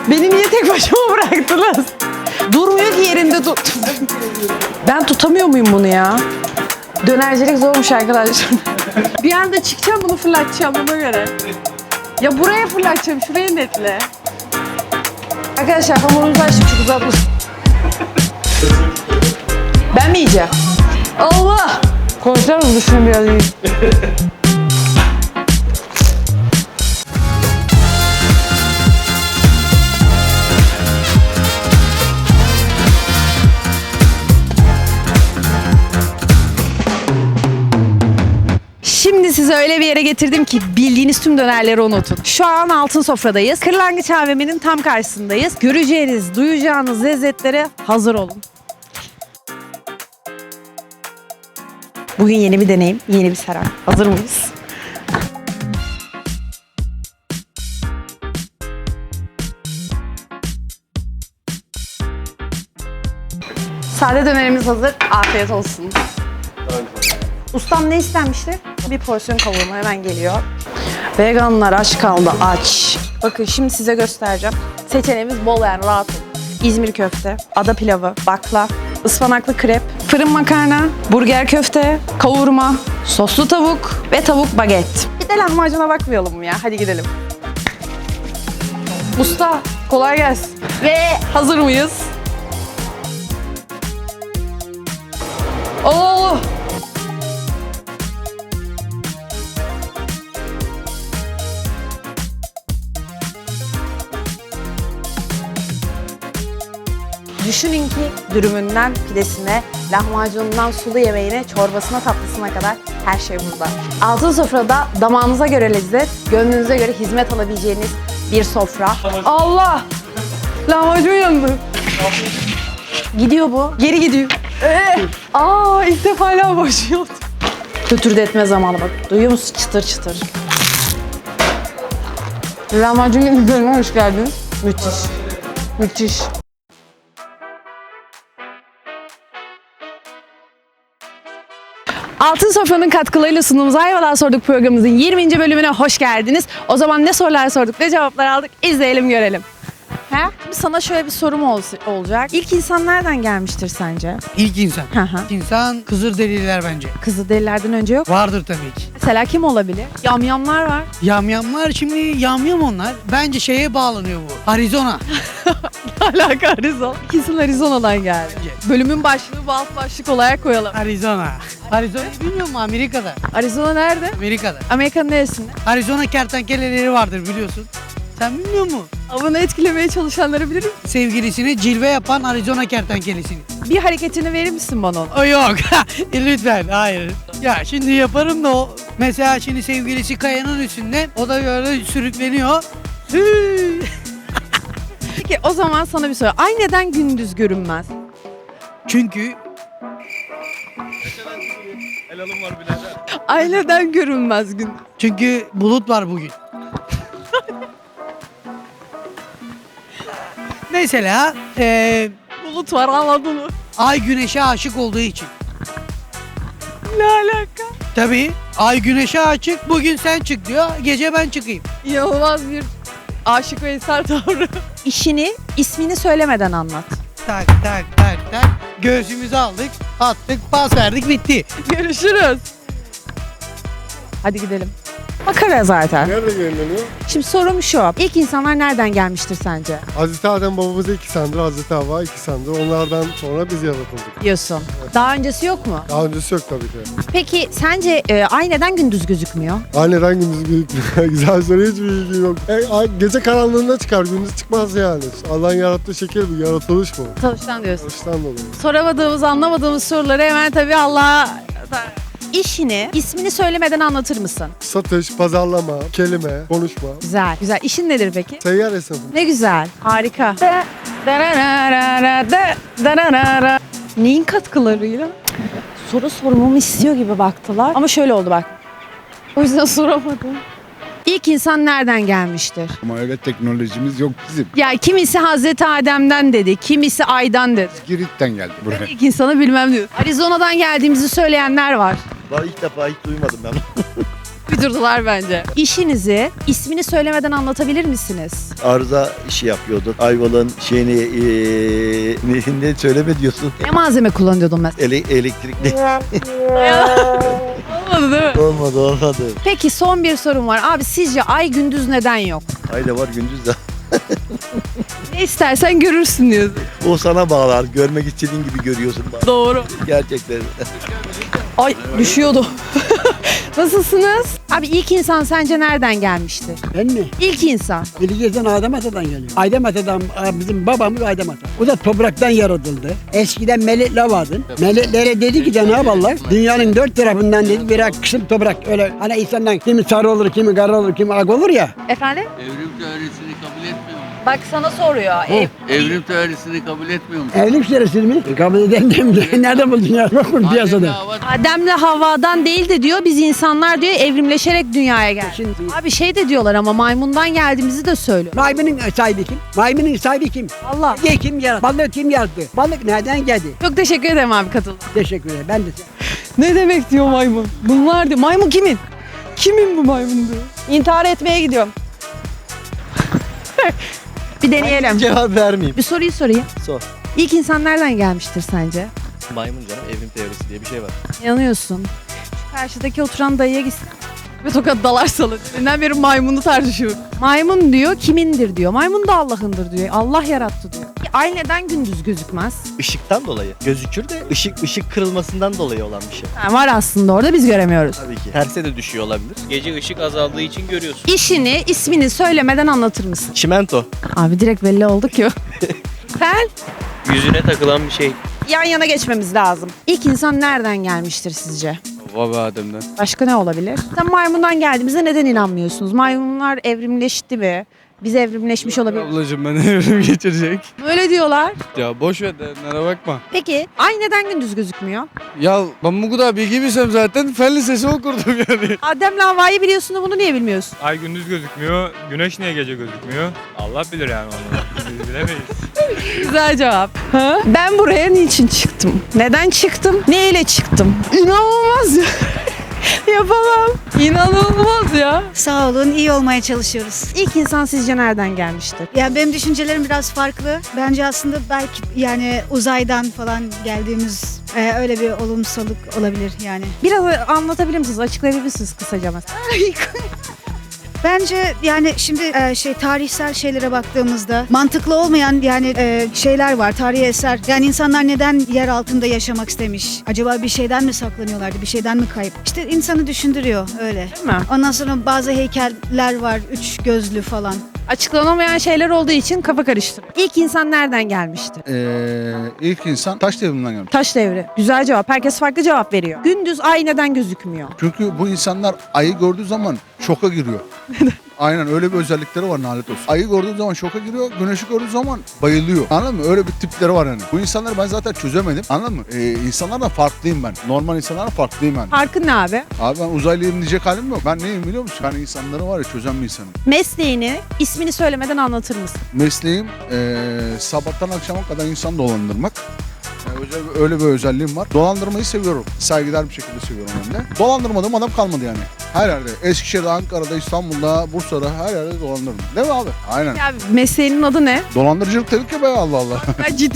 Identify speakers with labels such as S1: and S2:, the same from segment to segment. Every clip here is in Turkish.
S1: Beni niye tek başıma bıraktınız? Durmuyor ki yerinde tut. Ben tutamıyor muyum bunu ya? Dönercilik zormuş arkadaşlar. Bir anda çıkacağım bunu fırlatacağım ona göre. Ya buraya fırlatacağım, şuraya netle. Arkadaşlar hamurumuzu açtık, çok uzatmış. Ben mi yiyeceğim? Allah! Konuşalım dışına biraz yiyeyim. Şimdi size öyle bir yere getirdim ki bildiğiniz tüm dönerleri unutun. Şu an Altın Sofra'dayız. Kırlangıç AVM'nin tam karşısındayız. Göreceğiniz, duyacağınız lezzetlere hazır olun. Bugün yeni bir deneyim, yeni bir saray. Hazır mıyız? Sade dönerimiz hazır. Afiyet olsun. Ustam ne istenmişti? Bir porsiyon kavurma hemen geliyor. Veganlar aç kaldı, aç. Bakın şimdi size göstereceğim. Seçeneğimiz bol yani, rahat olun. İzmir köfte, ada pilavı, bakla, ıspanaklı krep, fırın makarna, burger köfte, kavurma, soslu tavuk ve tavuk baget. Bir de lahmacuna bakmayalım mı ya? Hadi gidelim. Usta kolay gelsin. Ve hazır mıyız? Oo! Düşünün ki dürümünden pidesine, lahmacunundan sulu yemeğine, çorbasına, tatlısına kadar her şey burada. Altın Sofra'da damağınıza göre lezzet, gönlünüze göre hizmet alabileceğiniz bir sofra. Allah! Lahmacun yandı. Gidiyor bu. Geri gidiyor. İlk defa lahmacun yandı. Kötürdetme zamanı bak. Duyuyor musun? Çıtır çıtır. Lahmacun günlerine hoş geldiniz. Müthiş. Müthiş. Altın Sofra'nın katkılarıyla sunduğumuz Ayvalık'a Sorduk programımızın 20. bölümüne hoş geldiniz. O zaman ne sorular sorduk, ne cevaplar aldık, izleyelim görelim. Şimdi sana şöyle bir sorum olacak. İlk insan nereden gelmiştir sence?
S2: İlk insan.
S1: Hı hı.
S2: İlk insan Kızılderililer bence.
S1: Kızılderililerden önce yok.
S2: Vardır tabii ki.
S1: Mesela kim olabilir? Yamyamlar var.
S2: Yamyamlar şimdi yamyam onlar. Bence şeye bağlanıyor bu. Arizona.
S1: Alaka Arizona. İkisi Arizona'dan geldi. Bölümün başlığını bu alt başlık olarak koyalım.
S2: Arizona. Arizona'yı bilmiyor musun? Amerika'da.
S1: Arizona nerede?
S2: Amerika'da.
S1: Amerika'nın neresinde?
S2: Arizona kertenkeleleri vardır biliyorsun. Sen bilmiyor musun?
S1: Avını etkilemeye çalışanları bilir misin?
S2: Sevgilisine cilve yapan Arizona kertenkelesini.
S1: Bir hareketini verir misin bana onu?
S2: O yok. Lütfen. Hayır. Ya şimdi yaparım da o. Mesela şimdi sevgilisi kayanın üstünde. O da böyle sürükleniyor.
S1: Peki o zaman sana bir soru. Ay neden gündüz görünmez?
S2: Çünkü
S1: Ay neden görünmez gündüz?
S2: Çünkü bulut var bugün. Mesela
S1: Bulut var anladın mı?
S2: ay güneşe aşık olduğu için.
S1: Ne alaka?
S2: Tabii ay güneşe aşık, bugün sen çık diyor, gece ben çıkayım.
S1: İnanılmaz bir aşık Veysel tavrı. İşini, ismini söylemeden anlat.
S2: Tak tak tak tak, göğsümüzü aldık, attık, pas verdik, bitti.
S1: Görüşürüz. Hadi gidelim. Makara zaten.
S3: Nerede yayınlanıyor?
S1: Şimdi sorum şu. İlk insanlar nereden gelmiştir sence?
S3: Hazreti Adem babamız 2 sandır, Hazreti Havva 2 sandır. Onlardan sonra biz yaratıldık.
S1: Diyorsun. Daha öncesi yok mu?
S3: Daha öncesi yok tabii ki.
S1: Peki sence ay neden gündüz gözükmüyor?
S3: Aniden gündüz gözükmüyor. Güzel soru, hiçbir bilgim yok. Ay gece karanlığında çıkar, gündüz çıkmaz yani. Allah'ın yarattığı şekil bu, yaratılış bu.
S1: Çalıştan diyorsun.
S3: Yaratılıştan dolayı.
S1: Soramadığımız, anlamadığımız soruları hemen tabii Allah'a... İşini, ismini söylemeden anlatır mısın?
S3: Satış, pazarlama, kelime, konuşma.
S1: Güzel. Güzel. İşin nedir peki?
S3: Seyyar esnafı.
S1: Ne güzel. Harika. Neyin katkılarıyla? Soru sormamı istiyor gibi baktılar. Ama şöyle oldu bak. O yüzden soramadım. İlk insan nereden gelmiştir?
S4: Ama öyle teknolojimiz yok bizim.
S1: Ya kimisi Hazreti Adem'den dedi, kimisi Ay'dan dedi.
S4: Girit'ten geldi buraya.
S1: İlk insanı bilmem diyor. Arizona'dan geldiğimizi söyleyenler var.
S5: Daha ilk defa hiç duymadım ben.
S1: Uydurdular bence. İşinizi ismini söylemeden anlatabilir misiniz?
S5: Arıza işi yapıyorduk. Ayvalık'ın ne söyleme diyorsun?
S1: Ne malzeme kullanıyordun mesela?
S5: Elektrikli.
S1: Olmadı değil mi?
S5: Olmadı.
S1: Peki son bir sorum var. Abi sizce ay gündüz neden yok?
S5: Ay da var gündüz de.
S1: Ne istersen görürsün diyorsun.
S5: O sana bağlar. Görmek istediğin gibi görüyorsun.
S1: Doğru.
S5: Gerçekten.
S1: Ay düşüyordu. Nasılsınız? Abi ilk insan sence nereden gelmişti?
S6: Ben mi?
S1: İlk insan.
S6: Bileceksin Adem Ata'dan geliyor. Adem Ata'dan, bizim babamız Adem Ata. O da topraktan yaratıldı. Eskiden melekler vardı. Meleklere dedi ki Cenab-ı Allah dünyanın dört tarafından dedi birer kısım toprak. Öyle hani insandan kimi sarı olur, kimi kara olur, kimi ak olur ya.
S1: Efendim?
S7: Evrim teorisini kabul etmiyor mu?
S1: Bak sana soruyor.
S7: Evrim teorisini kabul etmiyor mu?
S6: Evlilik süresi mi? Kabul eden de nerede buldun ya? Yok mu piyasada?
S1: Adem'le Havva'dan değil de diyor biz insanlar diyor evrimleşerek dünyaya geldik.
S6: Şimdi
S1: Abi şey de diyorlar ama maymundan geldiğimizi de söylüyor.
S6: maymunun sahibi kim? Maymunun sahibi kim?
S1: Allah.
S6: Ye kim yarattı? Balığı kim yarattı? Balık nereden geldi?
S1: Çok teşekkür ederim abi katıldın.
S6: Teşekkür ederim. Ben de
S1: Ne demek diyor maymun? Bunlar diyor. Maymun kimin? Kimin bu maymun diyor. İntihar etmeye gidiyorum. Bir deneyelim.
S5: Cevap vermeyeyim.
S1: Bir soruyu sorayım.
S5: Sor.
S1: İlk insan nereden gelmiştir sence?
S8: Maymun canım, evrim teorisi diye bir şey var.
S1: Yanıyorsun. Şu karşıdaki oturan dayıya gitsin. Ve tokat dalar salı. Dünden beri maymunu tartışıyor. Maymun diyor kimindir diyor. Maymun da Allah'ındır diyor. Allah yarattı diyor. Ay neden gündüz gözükmez?
S8: Işıktan dolayı gözükür de ışık kırılmasından dolayı olan bir şey.
S1: Ha, var aslında orada biz göremiyoruz.
S8: Tabii ki. Terse de düşüyor olabilir.
S9: Gece ışık azaldığı için görüyorsun.
S1: İşini, ismini söylemeden anlatır mısın?
S8: Çimento.
S1: Abi direkt belli oldu ki. Sen
S9: Yüzüne takılan bir şey.
S1: yan yana geçmemiz lazım. İlk insan nereden gelmiştir sizce?
S4: Baba Adem'den.
S1: Başka ne olabilir? Sen maymundan geldiğimize neden inanmıyorsunuz? Maymunlar evrimleşti mi? Biz evrimleşmiş olabilir.
S10: Ablacığım ben evrim geçirecek.
S1: Öyle diyorlar.
S10: Ya boş ver denlere bakma.
S1: Peki ay neden gündüz gözükmüyor?
S10: Ya ben bu kadar bilgi bilsem zaten fen lisesi okurdum yani.
S1: Adem'le Havva'yı biliyorsun da bunu niye bilmiyorsun?
S11: Ay gündüz gözükmüyor, güneş niye gece gözükmüyor? Allah bilir yani onu. Biz bilemeyiz.
S1: Güzel cevap. Ben buraya niçin çıktım? Neden çıktım? Ne ile çıktım? İnanılmaz ya. Yapamam. İnanılmaz ya.
S12: Sağ olun, iyi olmaya çalışıyoruz.
S1: İlk insan sizce nereden gelmiştir?
S12: Ya benim düşüncelerim biraz farklı. Bence aslında belki yani uzaydan falan geldiğimiz öyle bir olumsallık olabilir yani.
S1: Biraz anlatabilir misiniz? Açıklayabilir misiniz kısaca mesela?
S12: Bence yani şimdi tarihsel şeylere baktığımızda mantıklı olmayan yani şeyler var, tarihi eser. Yani insanlar neden yer altında yaşamak istemiş? Acaba bir şeyden mi saklanıyorlardı, bir şeyden mi kayıp? İşte insanı düşündürüyor öyle.
S1: Değil mi?
S12: Ondan sonra bazı heykeller var, üç gözlü falan.
S1: Açıklanamayan şeyler olduğu için kafa karıştırıyor. İlk insan nereden gelmişti?
S4: İlk insan taş devrinden gelmiş.
S1: Taş devri. Güzel cevap. Herkes farklı cevap veriyor. Gündüz ay neden gözükmüyor?
S4: Çünkü bu insanlar ayı gördüğü zaman şoka giriyor. Aynen öyle bir özellikleri var nalet olsun. Ayı gördüğü zaman şoka giriyor, güneşi gördüğü zaman bayılıyor. Anladın mı? Öyle bir tipleri var yani. Bu insanları ben zaten çözemedim. Anladın mı? İnsanlardan farklıyım ben. Normal insanlardan farklıyım ben.
S1: Farkın ne abi?
S4: Abi ben uzaylıyım diyecek halim yok. Ben neyim biliyor musun? Ben insanları var ya çözen bir insanım.
S1: Mesleğini, ismini söylemeden anlatır mısın?
S4: Mesleğim sabahtan akşama kadar insan dolandırmak. Öyle bir özelliğim var. Dolandırmayı seviyorum. Saygıdeğer bir şekilde seviyorum hem de. Dolandırmadığım adam kalmadı yani. Her yerde. Eskişehir'de, Ankara'da, İstanbul'da, Bursa'da her yerde dolandırdım. Değil mi abi? Aynen.
S1: Ya mesleğinin adı ne?
S4: Dolandırıcılık dedik ya be Allah Allah.
S1: Ben ciddi.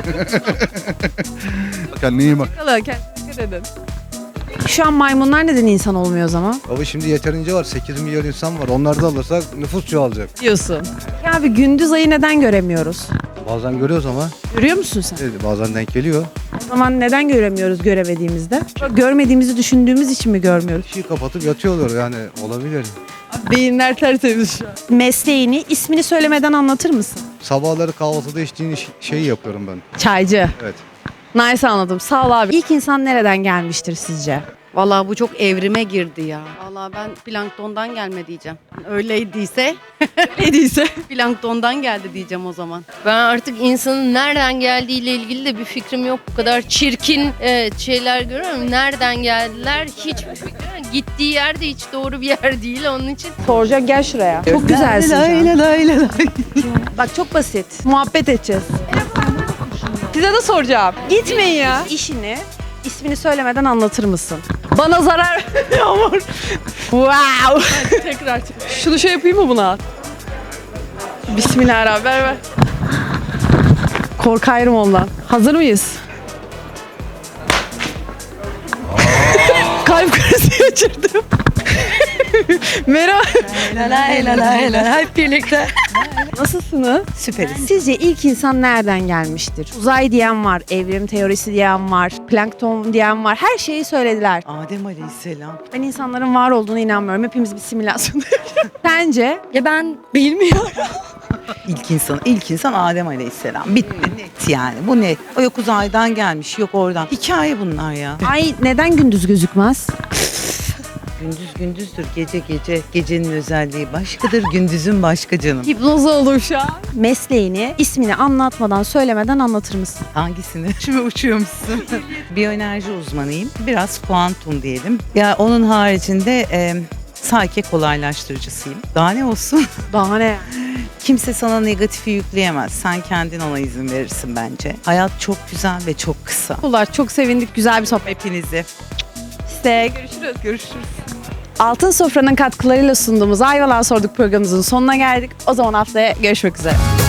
S4: Kendine iyi bak.
S1: Dikkat edin. Şu an maymunlar neden insan olmuyor o zaman?
S5: Baba şimdi yeterince var. 8 milyon insan var. Onları da alırsak nüfus çoğalacak.
S1: Diyorsun. Ya abi gündüz ayı neden göremiyoruz?
S5: Bazen görüyoruz ama
S1: Görüyor musun sen?
S5: bazen denk geliyor.
S1: O zaman neden göremiyoruz göremediğimizde? Görmediğimizi düşündüğümüz için mi görmüyoruz?
S5: Işığı kapatıp yatıyorlar yani olabilir.
S1: Beyinler tertemiz şu an. Mesleğini, ismini söylemeden anlatır mısın?
S5: Sabahları kahvaltıda içtiğin şeyi yapıyorum ben.
S1: Çaycı.
S5: Evet.
S1: Nice anladım. Sağ ol abi. İlk insan nereden gelmiştir sizce?
S13: Vallahi bu çok evrime girdi ya. Vallahi ben planktondan gelme diyeceğim. Öyleyse planktondan geldi diyeceğim o zaman.
S14: Ben artık insanın nereden geldiğiyle ilgili de bir fikrim yok. Bu kadar çirkin şeyler görüyorum. Nereden geldiler hiçbir fikrim yok. Gittiği yer de hiç doğru bir yer değil onun için.
S1: Soracak gel şuraya. Çok güzelsin şu an. Bak çok basit. Muhabbet edeceğiz. Size de soracağım. Gitmeyin ya. İşini, ismini söylemeden anlatır mısın? Bana zarar Yağmur. Wow. Tekrar. Şunu şey yapayım mı buna? Bismillahirrahmanirrahim. Ver. Korkarım ondan. Hazır mıyız? Kalp krizi geçirdim. Merhaba.
S13: Hep birlikte.
S1: Nasılsınız?
S13: Süperiz.
S1: Sizce ilk insan nereden gelmiştir? Uzay diyen var, evrim teorisi diyen var, plankton diyen var. Her şeyi söylediler.
S13: Adem Aleyhisselam.
S1: Ben insanların var olduğuna inanmıyorum. Hepimiz bir simülasyon. Sence?
S13: Ya ben bilmiyorum. İlk insan Adem Aleyhisselam. Bitti net yani. Bu net. O yok uzaydan gelmiş, yok oradan. Hikaye bunlar ya.
S1: Ay neden gündüz gözükmez?
S13: Gündüz gündüzdür, gece gece. Gecenin özelliği başkadır, gündüzün başka canım.
S1: Hipnoz oldum şu an. Mesleğini, ismini anlatmadan, söylemeden anlatır mısın?
S13: Hangisini? Şimdi uçuyormuşsun. Biyoenerji uzmanıyım. Biraz kuantum diyelim. Ya onun haricinde Psyche kolaylaştırıcısıyım. Daha ne olsun?
S1: Daha ne?
S13: Kimse sana negatifi yükleyemez. Sen kendin ona izin verirsin bence. Hayat çok güzel ve çok kısa.
S1: Ular çok sevindik. Güzel bir sohbet.
S13: Hepinizi.
S1: İşte görüşürüz. Altın Sofra'nın katkılarıyla sunduğumuz Ayvalık'a Sorduk programımızın sonuna geldik. O zaman haftaya görüşmek üzere.